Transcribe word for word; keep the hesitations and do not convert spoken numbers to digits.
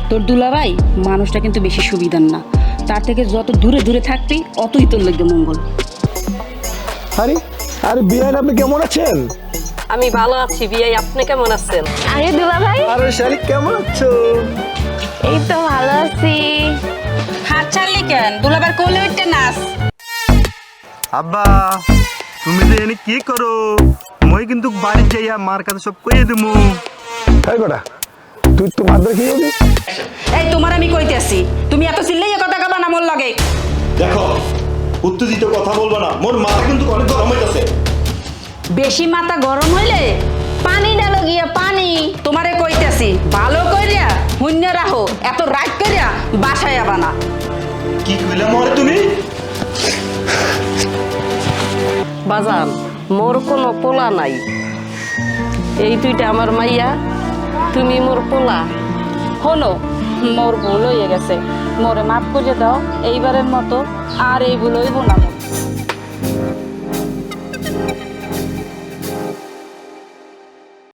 তোর দুলাভাই মানুষটা কিন্তু বেশি সুবিধার না, তার থেকে যত দূরে দূরে থাকবি অতই তোর লাগবে মঙ্গল। আরে আরে বিয়ান, আপনি কেমন আছেন? আমি ভালো আছি বিয়াই, আপনি কেমন আছেন? আরে দুলা ভাই, আরে শারিক কেমন আছো? এই তো ভালো আছি। হাত ছাড়লি কেন? দুলাভাই কোলে উঠতে নাচ। আব্বা তুমি যে এনে কি করো? মই কিন্তু বাড়ি যাইয়া মার কাছে সব কইয়ে দিমু। তাই কটা তুই তো মাদ্রা খেয়ে যাবি? এই তোমার আমি কইতেছি, তুমি এত চিল্লাইয়া কথা কবা না মোর লগে। দেখো, উত্তেজিত কথা বলবো না, মোর মাথা কিন্তু অনেক গরম হইতাছে। বেশি মাথা গরম হইলে পানি ডালো গিয়া পানি। তোমারে কইতেছি ভালো কইরা শূন্য রাখো, এত রাগ কইরা বাসায় আবা না। কি কইলা মরে তুমি? বাজান, মোর কোনো পোলা নাই, এই দুইটা আমার মাইয়া, তুমি মোর পোলা। হলো মোর ভুল হয়ে গেছে, মোরে মাফ করে দাও এইবারের মতো, আর এই ভুল হইব না মোর।